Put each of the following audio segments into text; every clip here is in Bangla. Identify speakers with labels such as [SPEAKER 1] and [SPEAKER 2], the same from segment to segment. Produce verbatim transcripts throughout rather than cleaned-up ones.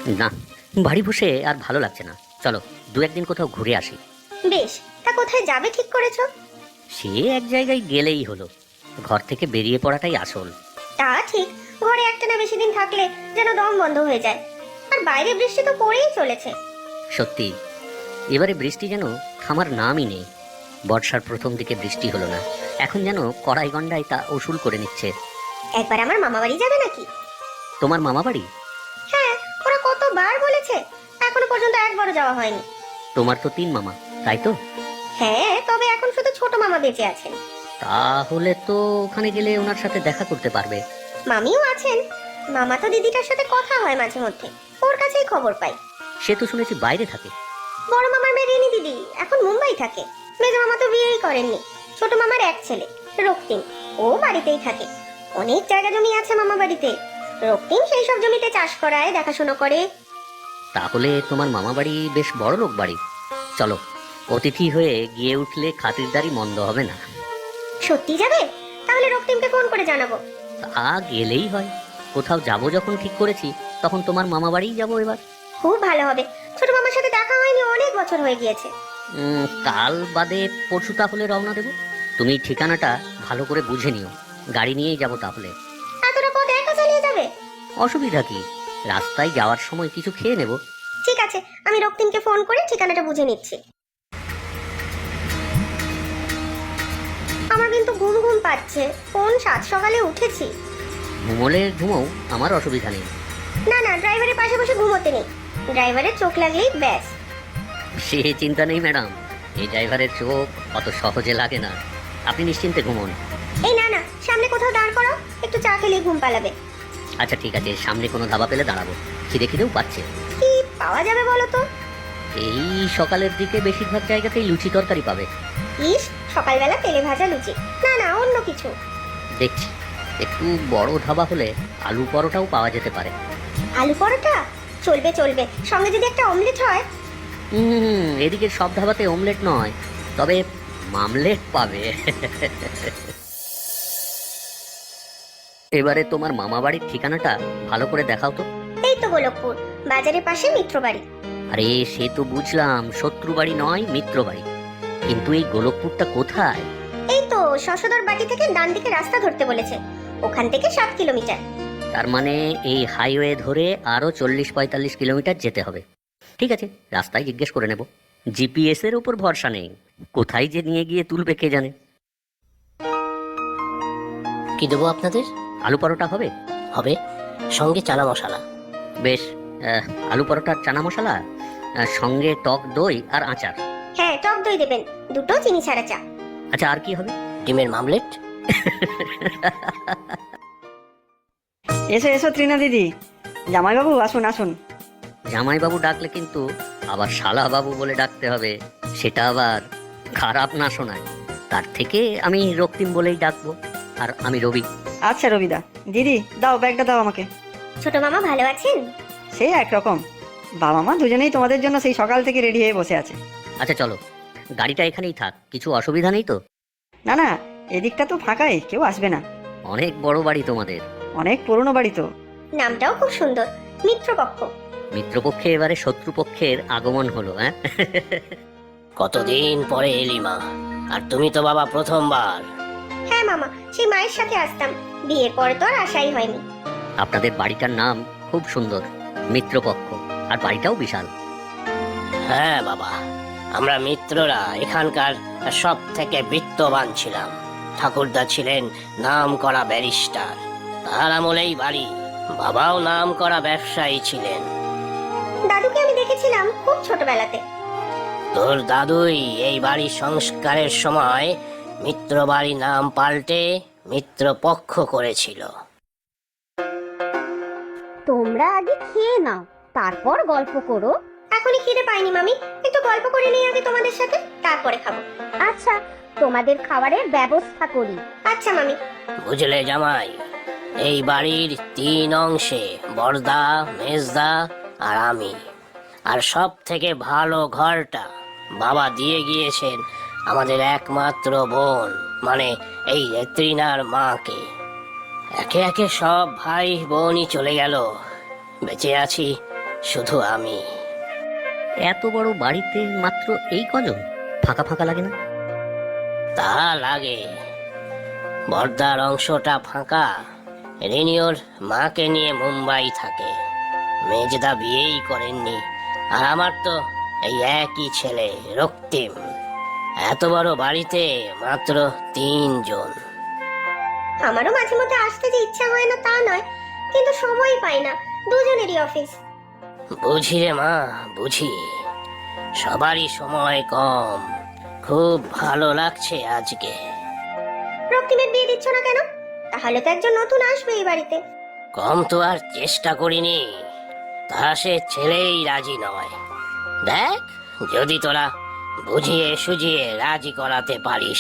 [SPEAKER 1] না, বাড়ি বসে আর ভালো লাগছে না, চলো দু একদিন কোথাও ঘুরে আসি।
[SPEAKER 2] বেশ, তা কোথায় যাবে ঠিক করেছো?
[SPEAKER 1] সে এক জায়গায় গেলেই হলো, ঘর থেকে বেরিয়ে পড়াটাই আসল।
[SPEAKER 2] তা ঠিক, ঘরে একটা না বেশি দিন থাকলে যেন দম বন্ধ হয়ে যায়। আর বাইরে বৃষ্টি তো পড়েই চলেছে।
[SPEAKER 1] সত্যি, এবারে বৃষ্টি যেন থামার নামই নেই। বর্ষার প্রথম দিকে বৃষ্টি হলো না, এখন যেন কড়াই গন্ডায় তা উসুল করে নিচ্ছে।
[SPEAKER 2] একবার আমার মামা বাড়ি যাবে নাকি?
[SPEAKER 1] তোমার মামা বাড়ি?
[SPEAKER 2] হ্যাঁ, ওরা কতবার বলেছে, এখনো পর্যন্ত একবারও যাওয়া হয়নি।
[SPEAKER 1] তোমার তো তিন মামা, তাই তো?
[SPEAKER 2] হ্যাঁ, তবে এখন শুধু ছোট মামা বেঁচে আছেন।
[SPEAKER 1] তাহলে তো ওখানে গেলে ওনার সাথে দেখা করতে পারবে।
[SPEAKER 2] মামিও আছেন, মামা তো দিদিটার সাথে কথা হয় মাঝে মধ্যে, ওর কাছেই খবর পাই।
[SPEAKER 1] সে তো শুনেছি বাইরে থাকে।
[SPEAKER 2] বড় মামার মেয়ে রেনি দিদি এখন মুম্বাই থাকে। মেজো মামা তো বিয়েই করেননি। ছোট মামার এক ছেলে রক্তিম, ও বাড়িতেই থাকে। অনেক জায়গা জমি আছে মামা বাড়িতে। রক্তিম সেই সব জমিতে চাষ করায়, দেখাশোনা করে।
[SPEAKER 1] তাহলে তোমার মামা বাড়ি বেশ বড় লোক বাড়ি। চলো, অতিথি হয়ে গিয়ে উঠলে খাতিরদারি মন্দ হবে না।
[SPEAKER 2] সত্যি যাবে? তাহলে রক্তিমকে ফোন করে জানাবো।
[SPEAKER 1] তা গেলেই হয়, কোথাও যাবো যখন ঠিক করেছি তখন তোমার মামা বাড়িই যাবো এবার।
[SPEAKER 2] খুব ভালো হবে, ছোট মামার সাথে দেখা হয়নি অনেক বছর হয়ে গিয়েছে।
[SPEAKER 1] উম, কাল বাদে পরশু তাহলে রওনা দেবো। তুমি ঠিকানাটা ভালো করে বুঝে নিও, গাড়ি নিয়েই যাবো তাহলে।
[SPEAKER 2] এতটা পথ একা চালিয়ে যাবে?
[SPEAKER 1] অসুবিধা কি, রাস্তায় যাওয়ার সময় কিছু খেয়ে নেব।
[SPEAKER 2] ঠিক আছে, আমি রক্তিমকে ফোন করে ঠিকানাটা বুঝে নিচ্ছি। আমার কিন্তু ঘুম ঘুম পাচ্ছে, কোন সাত সকালে উঠেছি।
[SPEAKER 1] ঘুমোলে ঘুমোও, আমার অসুবিধা নেই।
[SPEAKER 2] না না, ড্রাইভারের পাশে বসে ঘুমোতে নেই, ড্রাইভারের চোখ লাগলেই ব্যাস।
[SPEAKER 1] সে চিন্তা নেই ম্যাডাম, এই ড্রাইভারের চোখ অত সহজে লাগে না, আপনি নিশ্চিন্তে ঘুমোন।
[SPEAKER 2] এই না না, সামনে কোথাও দাঁড় করো, একটু চা খেলেই ঘুম পালাবে।
[SPEAKER 1] আচ্ছা ঠিক আছে, সামনে কোনো ধাবা পেলে দাঁড়াবো, খিদে খিদেও পাচ্ছে।
[SPEAKER 2] কি পাওয়া যাবে বলো তো?
[SPEAKER 1] এই সকালের দিকে বেশিরভাগ জায়গাতেই লুচি তরকারি পাবে।
[SPEAKER 2] ইস, সকালবেলা তেলে ভাজা লুচি? না না, অন্য কিছু।
[SPEAKER 1] দেখছি, একটু বড় ধাবা হলে আলু পরোটাও পাওয়া যেতে পারে।
[SPEAKER 2] আলু পরোটা চলবে চলবে, সঙ্গে যদি একটা অমলেট হয়।
[SPEAKER 1] হুম, এদিকে সব ধাবাতে অমলেট নয়, তবে মামলেট পাবে। এবারে তোমার মামা বাড়ির ঠিকানাটা ভালো করে দেখাও তো।
[SPEAKER 2] এই তো গোলকপুর, বাজারের পাশে মিত্র বাড়ি।
[SPEAKER 1] আরে সে তো বুঝলাম, শত্রু বাড়ি নয় মিত্র বাড়ি, কিন্তু এই গোলকপুরটা কোথায়?
[SPEAKER 2] এই তো শশধর বাটি থেকে ডান দিকে রাস্তা ধরতে বলেছে, ওখান থেকে সাত কিলোমিটার।
[SPEAKER 1] তার মানে এই হাইওয়ে ধরে আরো চল্লিশ পঁয়তাল্লিশ কিলোমিটার যেতে হবে। ঠিক আছে, রাস্তায় জিজ্ঞেস করে নেব, জিপিএস এর উপর ভরসা নেই, কোথায় যে নিয়ে গিয়ে তুলবে কে জানে।
[SPEAKER 3] কি দেবো আপনাদের?
[SPEAKER 1] আলু পরোটা হবে?
[SPEAKER 3] হবে, সঙ্গে চানা মশলা।
[SPEAKER 1] বেশ, আহ, আলু পরোটার চানা মশলা, আহ, সঙ্গে টক দই আর আচার।
[SPEAKER 2] হ্যাঁ, টক দই দেবেন, দুটো চিনি ছাড়া চা।
[SPEAKER 1] আচ্ছা, আর কি হবে?
[SPEAKER 3] ডিমের মামলেট।
[SPEAKER 4] এসো এসো ত্রিনা দিদি, জামাইবাবু আসুন আসুন।
[SPEAKER 1] জামাইবাবু ডাকলে কিন্তু আবার শালা বাবু বলে ডাকতে হবে, সেটা আবার খারাপ না শোনায়। তার থেকে আমি রক্তিম বলেই ডাকবো, আর আমি রবি।
[SPEAKER 4] আচ্ছা রবিদা, দিদি দাও ব্যাগটা দাও আমাকে।
[SPEAKER 2] ছোট মামা ভালো আছেন?
[SPEAKER 4] সেই একরকম, বাবা মা দুজনেই তোমাদের জন্য সেই সকাল থেকে রেডি হয়ে বসে আছে।
[SPEAKER 1] আচ্ছা চলো, গাড়িটা এখানেই থাক, কিছু অসুবিধা নেই তো?
[SPEAKER 4] না না, এদিকটা তো ফাঁকাই, কেউ আসবে না।
[SPEAKER 1] অনেক বড় বাড়ি তোমাদের।
[SPEAKER 4] অনেক পুরনো বাড়ি তো।
[SPEAKER 2] নামটাও খুব সুন্দর, মিত্রপক্ষ।
[SPEAKER 1] মিত্রপক্ষে এবারে শত্রুপক্ষের আগমন হলো, হ্যাঁ?
[SPEAKER 3] কতদিন পরে এলি মা, আর তুমি তো বাবা প্রথমবার।
[SPEAKER 2] হ্যাঁ মামা, সেই মায়ের সাথে আসতাম, বিয়ের পরে তো আর আশাই হয়নি।
[SPEAKER 1] আপনাদের বাড়িটার নাম খুব সুন্দর, মিত্রপক্ষ, আর বাড়িটাও বিশাল।
[SPEAKER 3] হ্যাঁ বাবা, আমরা মিত্ররা এখানকার সব থেকে বিত্তবান ছিলাম। ঠাকুরদা ছিলেন নাম করা ব্যারিস্টার, তার আমলেই বাড়ি। বাবাও নাম করা ব্যবসায়ী ছিলেন।
[SPEAKER 2] দাদুকে আমি দেখেছিলাম খুব ছোটবেলাতে।
[SPEAKER 3] তোর দাদুই এই বাড়ির সংস্কারের সময় মিত্র বাড়ি নাম পাল্টে মিত্রপক্ষ করেছিল।
[SPEAKER 2] তোমরা আগে খেয়ে নাও, তারপর গল্প করো। এখনই খিদে পাইনি মামি, একটু গল্প করে নিই আগে তোমাদের সাথে, তারপরে খাবো। আচ্ছা, তোমাদের খাবারের ব্যবস্থা করি। আচ্ছা মামি।
[SPEAKER 3] বুঝলে জামাই, এই বাড়ির তিন অংশে বড়দা, মেজদা আর আমি। আর সব থেকে ভালো ঘরটা বাবা দিয়ে গিয়েছেন আমাদের একমাত্র বোন, মানে এই ত্রিনার মাকে। একে একে সব ভাই বোনই চলে গেল, বেঁচে আছি শুধু আমি।
[SPEAKER 1] এত বড় বাড়িতে মাত্র এই কজন, ফাঁকা ফাঁকা লাগে না?
[SPEAKER 3] তা লাগে। বর্দার অংশটা ফাঁকা। রিনিওর মাকে নিয়ে মুম্বাই থাকে। মেজদা বিয়েই করেননি, আর আমার তো এই একই ছেলে রক্তিম। এত বড় বাড়িতে মাত্র তিনজন।
[SPEAKER 2] আমারও মাঝে মধ্যে আসতে যে ইচ্ছা হয় না তা নয়, কিন্তু সময় পাই না, দুজনেরই অফিস।
[SPEAKER 3] বুঝি রে মা, বুঝি। সবারই সময় কম। খুব ভালো লাগছে আজকে।
[SPEAKER 2] রক্তিমের বিয়ে দিচ্ছ না কেন? তাহলে তো একজন নতুন আসবে এই বাড়িতে।
[SPEAKER 3] কম তো আর চেষ্টা করিনি, তা সে ছেলেই রাজি নয়। দেখ যদি তোরা বুঝিয়ে সুঝিয়ে রাজি করাতে পারিস।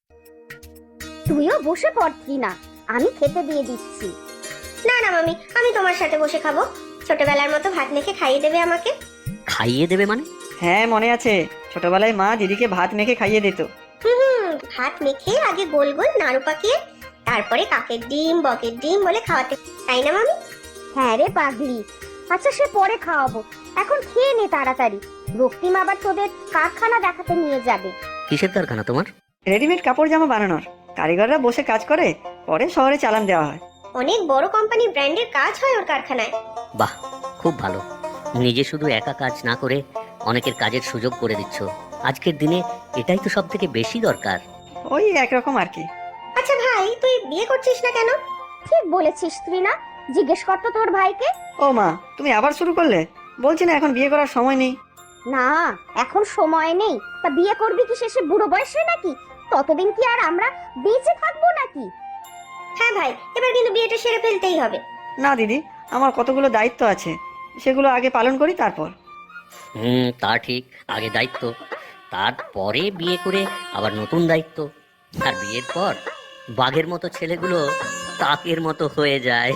[SPEAKER 5] তুইও বসে পড়তি না, আমি খেতে দিয়ে দিচ্ছি।
[SPEAKER 2] না না মামি, আমি তোমার সাথে বসে খাবো। ছোটবেলার মতো ভাত মেখে খাইয়ে দেবে আমাকে।
[SPEAKER 1] খাইয়ে দেবে মানে?
[SPEAKER 4] হ্যাঁ মনে আছে, ছোটবেলায় মা দিদিকে ভাত মেখে খাইয়ে দিত।
[SPEAKER 2] হুম, ভাত মেখে আগে গোল গোল নাড়ু পাকিয়ে তারপরে কাকের ডিম বকের ডিম বলে খাওয়াতে, তাই না মামি?
[SPEAKER 5] হ্যাঁ রে পাগলি। আচ্ছা সে পরে খাওয়াবো, এখন খেয়ে নে তাড়াতাড়ি। রক্তিম আবার তোদের কারখানা দেখাতে নিয়ে যাবে।
[SPEAKER 1] কিসের কারখানা তোমার?
[SPEAKER 4] রেডিমেড কাপড় জামা বানানোর। কারিগররা বসে কাজ করে, পরে শহরে চালান দেওয়া হয়।
[SPEAKER 2] অনেক বড় কোম্পানি ব্র্যান্ডের কাজ হয় ওর কারখানায়।
[SPEAKER 1] বাহ, খুব ভালো। নিজে শুধু একা কাজ না করে অনেকের কাজের সুযোগ করে দিচ্ছ। আজকের দিনে এটাই তো সব থেকে বেশি দরকার।
[SPEAKER 4] ওই একরকম আর কি।
[SPEAKER 2] আচ্ছা ভাই, তুই বিয়ে করছিস না কেন?
[SPEAKER 5] ঠিক বলেছিস তুই না, জিজ্ঞেস করতো তোর ভাইকে।
[SPEAKER 4] ও মা, তুমি আবার শুরু করলে? বলছি না এখন বিয়ে করার সময় নেই।
[SPEAKER 5] না এখন সময় নেই, তা বিয়ে করবি কি শেষে বুড়ো বয়সে নাকি? ততদিন কি আর আমরা বেঁচে থাকবো নাকি?
[SPEAKER 2] হ্যাঁ ভাই, এবার কিন্তু বিয়েটা সেরে ফেলতেই হবে।
[SPEAKER 4] না দিদি, আমার কতগুলো দায়িত্ব আছে, সেগুলো আগে পালন করি তারপর।
[SPEAKER 1] হুম, তা ঠিক। আগে দায়িত্ব, তারপরে বিয়ে করে আবার নতুন দায়িত্ব। আর বিয়ের পর বাঘের মতো ছেলেগুলো কাকের মতো হয়ে যায়।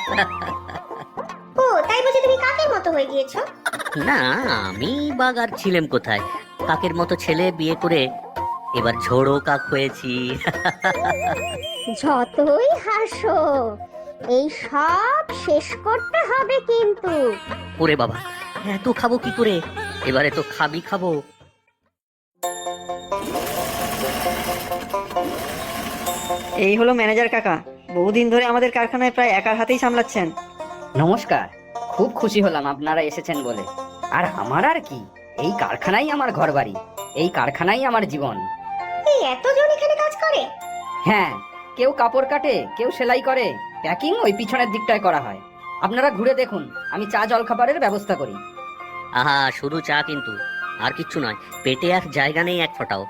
[SPEAKER 2] ও তাই বুঝি তুমি কাকের মতো হয়ে গিয়েছো?
[SPEAKER 1] না, আমি বাঘ আর ছিলাম কোথায়? কাকের মতো ছেলে বিয়ে করে এবার ঝোড়ো কাক হয়েছি।
[SPEAKER 5] যতই হাসো, এই সব শেষ করতে হবে কিন্তু।
[SPEAKER 1] ওরে বাবা, এত খাবো কি করে? এবারে তো খাবি খাবো।
[SPEAKER 4] এই হলো ম্যানেজার কাকা, বহুদিন ধরে আমাদের কারখানায় প্রায় একার হাতেই সামলাচ্ছেন।
[SPEAKER 6] নমস্কার, খুব খুশি হলাম আপনারা এসেছেন বলে। আর আমার আর কি, এই কারখানাই আমার ঘরবাড়ি, এই কারখানাই আমার জীবন।
[SPEAKER 2] এই এতজন এখানে কাজ করে?
[SPEAKER 6] হ্যাঁ, কেউ কাপড় কাটে, কেউ সেলাই করে, প্যাকিং ওই পিছনের দিকটায় করা হয়। আপনারা ঘুরে দেখুন, আমি চা জলখাবারের ব্যবস্থা করি।
[SPEAKER 1] আহা, শুধু চা কিন্তু, আর কিচ্ছু নয়। পেটে আর জায়গা নেই এক ফোঁটাও।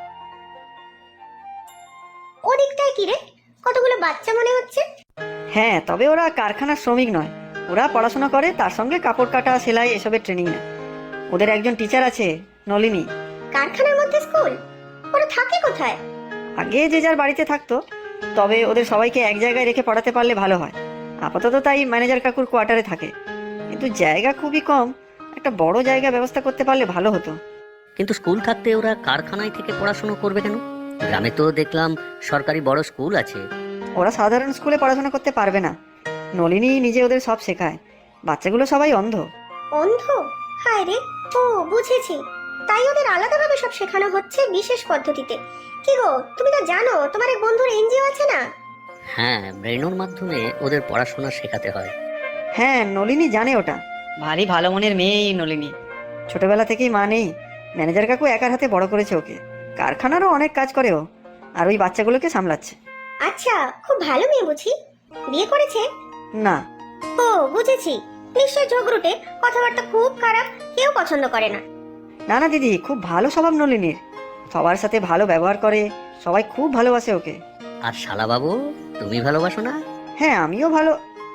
[SPEAKER 2] ওদিকটায় কি রে, কতগুলো বাচ্চা মনে হচ্ছে?
[SPEAKER 4] হ্যাঁ, তবে ওরা কারখানার শ্রমিক নয়, ওরা পড়াশোনা করে, তার সঙ্গে কাপড় কাটা সেলাই এসবের ট্রেনিং নেয়। ওদের একজন টিচার আছে, নলিনী।
[SPEAKER 2] কারখানার মধ্যে স্কুল? ওরা থাকে কোথায়?
[SPEAKER 4] আগে যে যার বাড়িতে থাকতো, তবে ওদের সবাইকে এক জায়গায় রেখে পড়াতে পারলে ভালো হয়। আপাতত তাই ম্যানেজার কাকুর কোয়ার্টারে থাকে, কিন্তু জায়গা খুবই কম। একটা বড় জায়গা ব্যবস্থা করতে পারলে ভালো হতো।
[SPEAKER 1] কিন্তু স্কুল থাকতে ওরা কারখানায় থেকে পড়াশোনা করবে কেন? গ্রামে তো দেখলাম সরকারি বড় স্কুল আছে।
[SPEAKER 4] ওরা সাধারণ স্কুলে পড়াশোনা করতে পারবে না, নলিনী নিজে ওদের সব শেখায়। বাচ্চাগুলো সবাই অন্ধ।
[SPEAKER 2] অন্ধ? হায় রে, ও বুঝেছি। তাই ওদের আলাদাভাবে সব শেখানো হচ্ছে বিশেষ পদ্ধতিতে। কি গো, তুমি তো জানো তোমার এক বন্ধুর এনজিও আছে না?
[SPEAKER 1] হ্যাঁ, ব্রেনোর মাধ্যমে ওদের পড়াশোনা শেখাতে হয়।
[SPEAKER 4] হ্যাঁ, নলিনী জানে ওটা। ভারী ভালো মনের মেয়েই নলিনী। ছোটবেলা থেকেই মা নেই, ম্যানেজার কাকু একার হাতে বড় করেছে ওকে। কারখানারও অনেক কাজ করে ও, আর ওই বাচ্চাগুলোকে সামলাচ্ছে।
[SPEAKER 2] আচ্ছা, খুব ভালো মেয়ে বুঝি। বিয়ে করেছে?
[SPEAKER 4] না।
[SPEAKER 2] ও বুঝেছি, নিশ্চয় ঝগড়ুটে, কথাবার্তা খুব খারাপ, কেউ পছন্দ করে না।
[SPEAKER 4] না না দিদি, খুব ভালো স্বভাব নলিনীর, সবার সাথে ভালো ব্যবহার করে, সবাই খুব ভালোবাসে ওকে।
[SPEAKER 1] আর শালা বাবু, তুমি ভালোবাসো না?
[SPEAKER 4] হ্যাঁ, আমিও ভালো।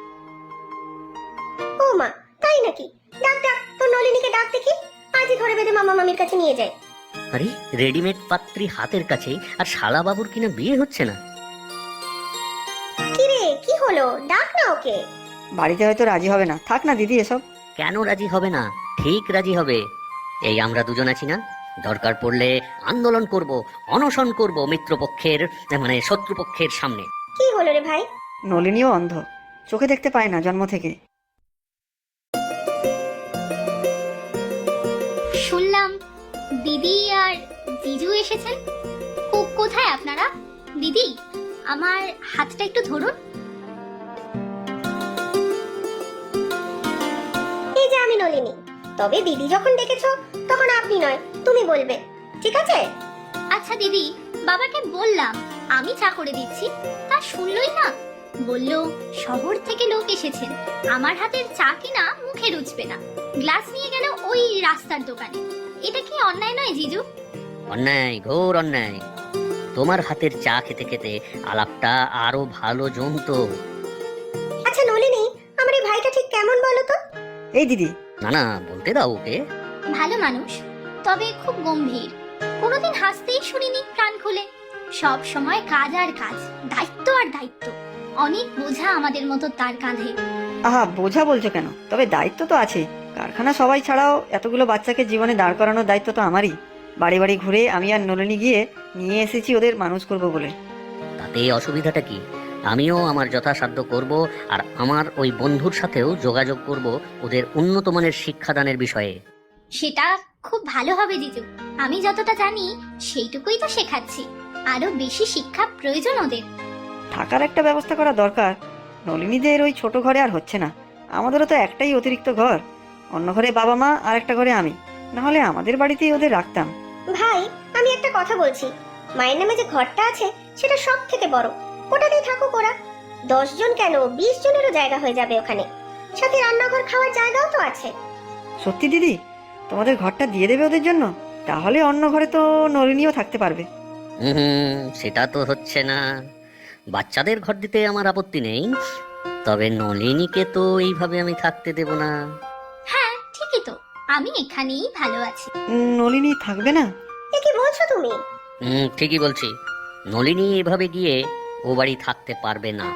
[SPEAKER 2] ও মা, তাই নাকি? ডাক ডাক, তোর নলিনীকে ডাক দেখি, আজই ধরে বেঁধে মামা মামির কাছে নিয়ে যায়।
[SPEAKER 1] আরে, রেডিমেড পাত্রী হাতের কাছেই, আর শালা বাবুর কিনা বিয়ে হচ্ছে না?
[SPEAKER 2] কি রে, কি হলো? ডাক না ওকে।
[SPEAKER 4] বাড়িতে হয়তো রাজি হবে না, থাক না দিদি এসব।
[SPEAKER 1] কেন রাজি হবে না? ঠিক রাজি হবে। এই আমরা দুজন আছি না, দরকার পড়লে আন্দোলন করব, অনশন করব মিত্রপক্ষের, মানে শত্রুপক্ষের সামনে।
[SPEAKER 2] কি হলো রে ভাই?
[SPEAKER 4] নলিনীও অন্ধ, চোখে দেখতে পায় না জন্ম থেকে।
[SPEAKER 7] দিদি আর জিজু এসেছেন। কো- কোথায় আপনারা? দিদি, আমার হাতটা একটু ধরুন।
[SPEAKER 2] এই যে আমি নলিনী। তবে দিদি যখন ডেকেছো তখন আপনি নয় তুমি বলবে, ঠিক আছে?
[SPEAKER 7] আচ্ছা দিদি, বাবাকে বললাম আমি চা করে দিচ্ছি, তা শুনলই না। বলল শহর থেকে লোক এসেছেন, আমার হাতের চা কিনা মুখে রুচবে না, গ্লাস নিয়ে গেল ওই রাস্তার দোকানে। এটা কি অন্যায় নয় জিজু?
[SPEAKER 1] অন্যায়, ঘোর অন্যায়। তোমার হাতের চা খেতে খেতে আলাপটা আরো ভালো জমতো।
[SPEAKER 2] আচ্ছা নলিনী, আমার এই ভাইটা ঠিক কেমন বলো তো?
[SPEAKER 4] এই দিদি,
[SPEAKER 1] না না, বলতে দাও ওকে।
[SPEAKER 7] ভালো মানুষ, তবে খুব গম্ভীর। কোনোদিন হাসতেই শুনিনি প্রাণ খুলে। সব সময় কাজ আর কাজ, দায়িত্ব আর দায়িত্ব। অনেক বোঝা আমাদের মতো তার কাঁধে।
[SPEAKER 4] আহা, বোঝা বলছো কেন? তবে দায়িত্ব তো আছে। কারখানা সবাই ছাড়াও এতগুলো বাচ্চাকে জীবনে দাঁড় করানোর দায়িত্ব তো আমারই। বাড়ি বাড়ি ঘুরে আমি আর নলিনী গিয়ে নিয়ে এসেছি ওদের মানুষ করব বলে।
[SPEAKER 1] তাতে অসুবিধাটা কি? আমিও আমার যথাসাধ্য করব, আর আমার ওই বন্ধুর সাথেও যোগাযোগ করব ওদের উন্নত মানের শিক্ষাদানের বিষয়ে।
[SPEAKER 7] সেটা খুব ভালো হবে জিজু। আমি যতটা জানি সেইটুকুই তো শেখাচ্ছি। আরো বেশি শিক্ষা প্রয়োজন ওদের।
[SPEAKER 4] থাকার একটা ব্যবস্থা করা দরকার। নলিনীদের ওই ছোট ঘরে আর হচ্ছে না। আমাদেরও তো একটাই অতিরিক্ত ঘর, অন্য ঘরে বাবা মা আর একটা ঘরে আমি। না হলে আমাদের বাড়িতেই ওদের রাখতাম।
[SPEAKER 2] ভাই, আমি একটা কথা বলছি। মায়ের নামে যে ঘরটা আছে সেটা সব থেকে বড়। ওটাতেই থাকুক ওরা। দশ জন কেন, বিশ জনেরও জায়গা হয়ে যাবে ওখানে। সাথে রান্নাঘর, খাওয়ার জায়গাও তো আছে।
[SPEAKER 4] সত্যি দিদি, তোমাদের ঘরটা দিয়ে দেবে ওদের জন্য? তাহলে অন্য ঘরে তো নলিনীও থাকতে পারবে।
[SPEAKER 1] হুম, সেটা তো হচ্ছে না। বাচ্চাদের ঘর দিতে আমার আপত্তি নেই, তবে নলিনীকে তো এইভাবে আমি থাকতে দেব না।
[SPEAKER 7] হ্যাঁ ঠিকই তো, আমি এখানেই ভালো আছি।
[SPEAKER 4] উম, নলিনী থাকবে না?
[SPEAKER 2] এ কি বলছো তুমি?
[SPEAKER 1] হুম, ঠিকই বলছি। নলিনী এভাবে গিয়ে ও বাড়ি থাকতে পারবে না।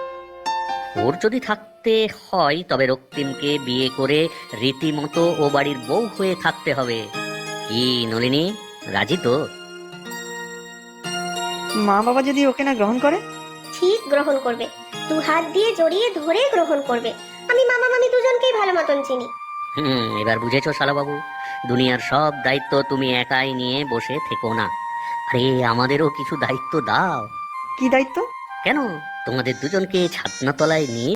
[SPEAKER 1] ওর যদি থাকতে হয় তবে রক্তিমকে বিয়ে করে রীতিমতো ও বাড়ির বউ হয়ে থাকতে হবে। কি নলিনী, রাজি তো?
[SPEAKER 4] মা বাবা যদি ওকে না গ্রহণ করে?
[SPEAKER 2] ঠিক গ্রহণ করবে। দু হাত দিয়ে জড়িয়ে ধরে গ্রহণ করবে। আমি মামা মামি দুজনকেই ভালো মতন চিনি।
[SPEAKER 1] হুম, এবার বুঝেছো শালাবাবু? দুনিয়ার সব দায়িত্ব তুমি একাই নিয়ে বসে থেকো না। আরে আমাদেরও কিছু দায়িত্ব দাও।
[SPEAKER 4] কি দায়িত্ব?
[SPEAKER 1] কেন, তোমাদের দুজনকে ছাদনা তলায় নিয়ে